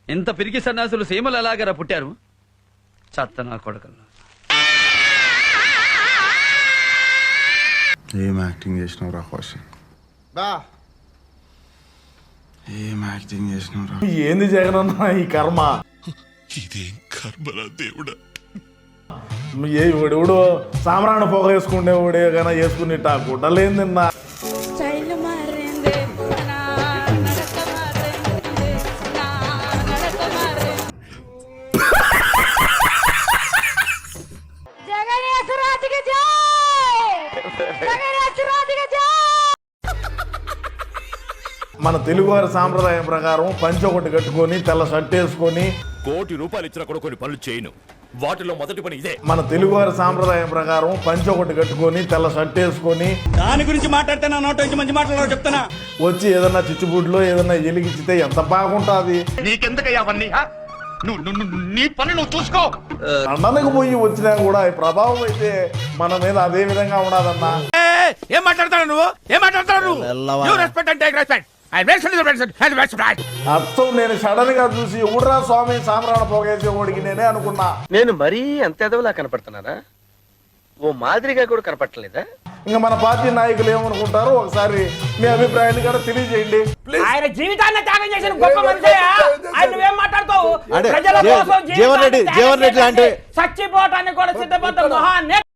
ఇంత పిరికి సన్యాసులు సీమలు ఎలాగరా పుట్టారు? చెత్త నా కొడుకల్లా. ఏం యాక్టింగ్ చేసినావు రా కౌశిక్? ఏం యాక్టింగ్ చేసినావు రా? ఏంది జగనన్న ఈ కర్మ? ఇదేం కర్మరా దేవుడా. ఏ ఎవడెవడో సామ్రాణ పొగ వేసుకునే వాడే కానీ వేసుకుని గుడ్డలేందన్నా. స్టైల్ మారింది, నా నడక మారింది, నా నడక మారింది. జగన్నేశ్వరాజుకి జై! జగన్నేశ్వరాజుకి జై! మన తెలుగువారి సాంప్రదాయం ప్రకారం పంచె ఒకటి కట్టుకొని తెల్ల షర్ట్ వేసుకొని ₹1 కోటి ఇచ్చినా కూడా కొన్ని పనులు చేయను. వాటిలో మొదటి పని ఇదే. మన తెలుగువారి సాంప్రదాయం ప్రకారం పంచె ఒకటి కట్టుకొని తెల్ల షర్ట్ వేసుకొని దాని గురించి మాట్లాడితే నా నోట నుంచి మంచి మాట్లాడారు చెప్తానా. వచ్చి ఏదన్నా చిచ్చుబుడ్లో ఏదన్నా ఎలిగిచ్చితే ఎంత బాగుంటుంది. నీకెందుకయ్యా అవన్నీ? నీ పని నువ్వు చూసుకో. లండన్కి పోయి వచ్చినా కూడా ఈ ప్రభావం అయితే మన మీద అదే విధంగా ఉండదన్నా. ఏం మాట్లాడతాడు నువ్వు? ఏం మాట్లాడతాడు నువ్వు? You respect and take respect. అర్థం నేను సడన్ గా చూసి ఊడ్రా స్వామి సామ్రాణ పోగేసే ఓడికి నేనే అనుకున్నా. నేను మరీ అంత ఎదవలా కనపడుతున్నానా? ఓ మాదిరిగా కూడా కనపడలేదా? ఇంకా మన పార్టీ నాయకులు ఏమనుకుంటారో ఒకసారి మీ అభిప్రాయాన్ని కూడా తెలియజేయండి. ఆయన జీవితాన్ని త్యాగం చేసిన గొప్ప మనిషి. ఆయన నువ్వేం మాట్లాడతావు? అంటే ప్రజల కోసం జీవన్ రెడ్డి అంటే చచ్చిపోవటానికి కూడా సిద్ధపడ్డ మహాన్